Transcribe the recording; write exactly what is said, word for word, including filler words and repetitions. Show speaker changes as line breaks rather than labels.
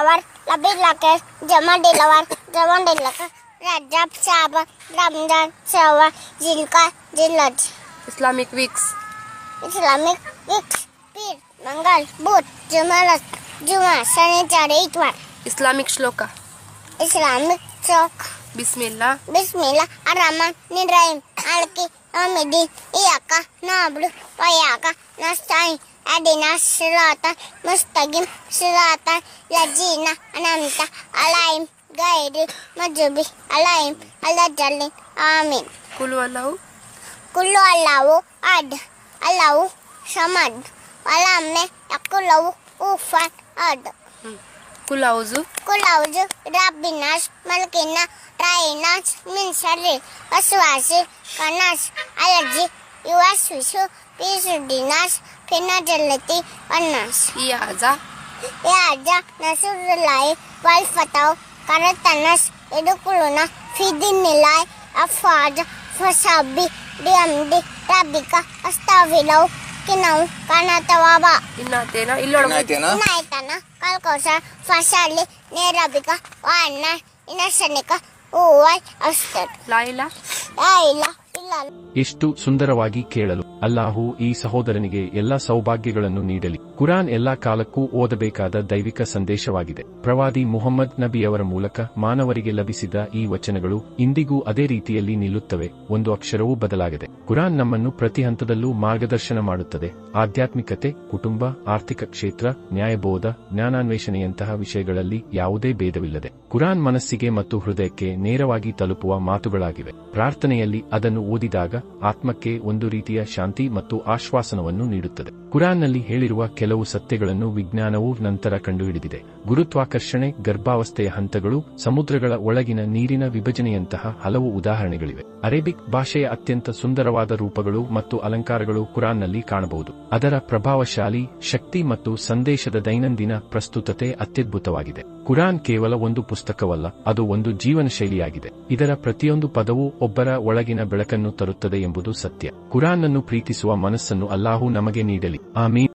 dilawar, labir lakir, jama dilawar, jama dilakar, Rajab Shaba, Ramjan Shawa, Zilka, Zilaj.
Islamic weeks.
Islamic weeks, Pir, Mangal, Buddh, Jumalat, Juma, Shanichar, Itwar.
Islamic shloka.
Islamic Chok.
Bismillah.
Bismillah, Ar-Rahman, Nirayim, Alki, Amidi, Iyaka, Nablu, Wayaka, Nastain, Adina, Sirata, Mustaqim, Sirata, Lajina, Anamta, Alaim, Gaidi, Majubi, Alaim, Alajalin, Amin.
Kulu Allahu.
Kullu Allahu, Ad, Allahu, Samad, Walame, Yakulahu, Ufat, Ad.
Kul auzu.
Kul auzu Rabbinas, Malkina, Rainas, Min Sharri, Waswasi, Kanas, Alaji, Yuwaswisu, Pisudinas, Pinajalati, Wanas.
Iyaza.
Yaja, Nasrullahi, Wal Fatau, Karatanas, Edukuluna, Fidinilai, Afaja, Fasabi, Diamdi, Rabika, Astavilau, Kinau, Kanatawaba.
Innatena illೋಡು
Inaitana, Kalkosa, Fasali, Nerabika, Wana, Inasanika, Uwai, Astat.
Laila.
Laila, Ilal.
ಎಷ್ಟು ಸುಂದರವಾಗಿ ಕೇಳಲು. ಅಲ್ಲಾಹು ಈ ಸಹೋದರನಿಗೆ ಎಲ್ಲಾ ಸೌಭಾಗ್ಯಗಳನ್ನು ನೀಡಲಿ. ಕುರಾನ್ ಎಲ್ಲಾ ಕಾಲಕ್ಕೂ ಓದಬೇಕಾದ ದೈವಿಕ ಸಂದೇಶವಾಗಿದೆ. ಪ್ರವಾದಿ ಮುಹಮ್ಮದ್ ನಬಿಯವರ ಮೂಲಕ ಮಾನವರಿಗೆ ಲಭಿಸಿದ ಈ ವಚನಗಳು ಇಂದಿಗೂ ಅದೇ ರೀತಿಯಲ್ಲಿ ನಿಲ್ಲುತ್ತವೆ. ಒಂದು ಅಕ್ಷರವೂ ಬದಲಾಗದೆ. ಕುರಾನ್ ನಮ್ಮನ್ನು ಪ್ರತಿ ಹಂತದಲ್ಲೂ ಮಾರ್ಗದರ್ಶನ ಮಾಡುತ್ತದೆ. ಆಧ್ಯಾತ್ಮಿಕತೆ, ಕುಟುಂಬ, ಆರ್ಥಿಕ ಕ್ಷೇತ್ರ, ನ್ಯಾಯಬೋಧ, ಜ್ಞಾನಾನ್ವೇಷಣೆಯಂತಹ ವಿಷಯಗಳಲ್ಲಿ ಯಾವುದೇ ಭೇದವಿಲ್ಲದೆ ಕುರಾನ್ ಮನಸ್ಸಿಗೆ ಮತ್ತು ಹೃದಯಕ್ಕೆ ನೇರವಾಗಿ ತಲುಪುವ ಮಾತುಗಳಾಗಿವೆ. ಪ್ರಾರ್ಥನೆಯಲ್ಲಿ ಅದನ್ನು ಓದಿದಾಗ ಆತ್ಮಕ್ಕೆ ಒಂದು ರೀತಿಯ ಶಾಂತಿ ಮತ್ತು ಆಶ್ವಾಸನವನ್ನು ನೀಡುತ್ತದೆ. ಕುರಾನ್ನಲ್ಲಿ ಹೇಳಿರುವ ಕೆಲವು ಸತ್ಯಗಳನ್ನು ವಿಜ್ಞಾನವು ನಂತರ ಕಂಡುಹಿಡಿದಿದೆ. ಗುರುತ್ವಾಕರ್ಷಣೆ, ಗರ್ಭಾವಸ್ಥೆಯ ಹಂತಗಳು, ಸಮುದ್ರಗಳ ಒಳಗಿನ ನೀರಿನ ವಿಭಜನೆಯಂತಹ ಹಲವು ಉದಾಹರಣೆಗಳಿವೆ. ಅರೇಬಿಕ್ ಭಾಷೆಯ ಅತ್ಯಂತ ಸುಂದರವಾದ ರೂಪಗಳು ಮತ್ತು ಅಲಂಕಾರಗಳು ಕುರಾನ್ನಲ್ಲಿ ಕಾಣಬಹುದು. ಅದರ ಪ್ರಭಾವಶಾಲಿ ಶಕ್ತಿ ಮತ್ತು ಸಂದೇಶದ ದೈನಂದಿನ ಪ್ರಸ್ತುತತೆ ಅತ್ಯದ್ಭುತವಾಗಿದೆ. ಕುರಾನ್ ಕೇವಲ ಒಂದು ಪುಸ್ತಕವಲ್ಲ, ಅದು ಒಂದು ಜೀವನ ಶೈಲಿಯಾಗಿದೆ. ಇದರ ಪ್ರತಿಯೊಂದು ಪದವೂ ಒಬ್ಬರ ಒಳಗಿನ ಬೆಳಕನ್ನು ತರುತ್ತದೆ ಎಂಬುದು ಸತ್ಯ. ಕುರಾನ್ ಅನ್ನು ಪ್ರೀತಿಸುವ ಮನಸ್ಸನ್ನು ಅಲ್ಲಾಹು ನಮಗೆ ನೀಡಲಿ. ಆಮೀನ್.